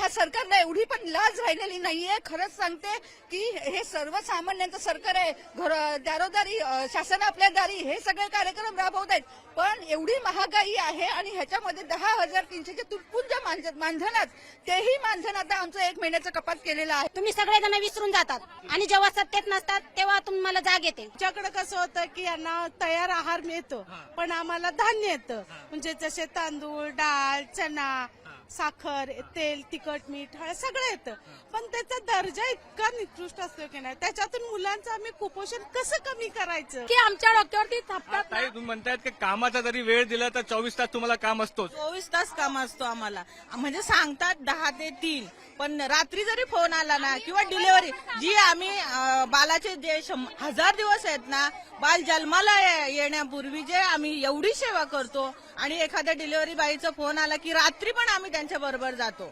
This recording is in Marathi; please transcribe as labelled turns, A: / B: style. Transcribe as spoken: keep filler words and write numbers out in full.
A: ह्या सरकारला एवढी पण लाज राहिलेली नाहीये. खरंच सांगते की हे सर्वसामान्यांचं सरकार आहे. घर दारोदारी अ, शासन आपल्या दारी हे सगळे कार्यक्रम राबवत आहेत. पण एवढी महागाई आहे आणि ह्याच्यामध्ये दहा हजार तीनशेचे तुटपुंज मानधन मानधनात तेही मानधन आता आमचं एक महिन्याचं कपात केलेलं आहे.
B: तुम्ही सगळेजण विसरून जातात आणि जेव्हा सत्तेत नसतात तेव्हा तुम्हाला जाग येते.
C: आमच्याकडे कसं होतं की यांना तयार आहार मिळतो पण आम्हाला धान्य येतं, म्हणजे जसे तांदूळ, डाळ, चना, साखर, तेल, तिखट, मीठ हे सगळं येतं. पण त्याचा दर्जा इतका निकृष्ट असतो की नाही, त्याच्यातून मुलांचं आम्ही कुपोषण कसं कमी करायचं
B: की आमच्या डोक्यावरती थापतात.
D: ताई तुम्ही म्हणतायत की कामाचा जरी वेळ दिला तर चोवीस तास तुम्हाला काम असतोच.
E: चोवीस तास काम असतो आम्हाला, म्हणजे सांगतात दहा ते तीन, पण रात्री जरी फोन आला ना किंवा डिलिव्हरी जी आम्ही अं, बालाचे जे शं- हजार दिवस आहेत ना, बाल जन्माला ये- येण्यापूर्वी जे आम्ही एवढी सेवा करतो आणि एखाद्या डिलिव्हरी बाईचा फोन आला की रात्री पण आम्ही त्यांच्या बरोबर जातो.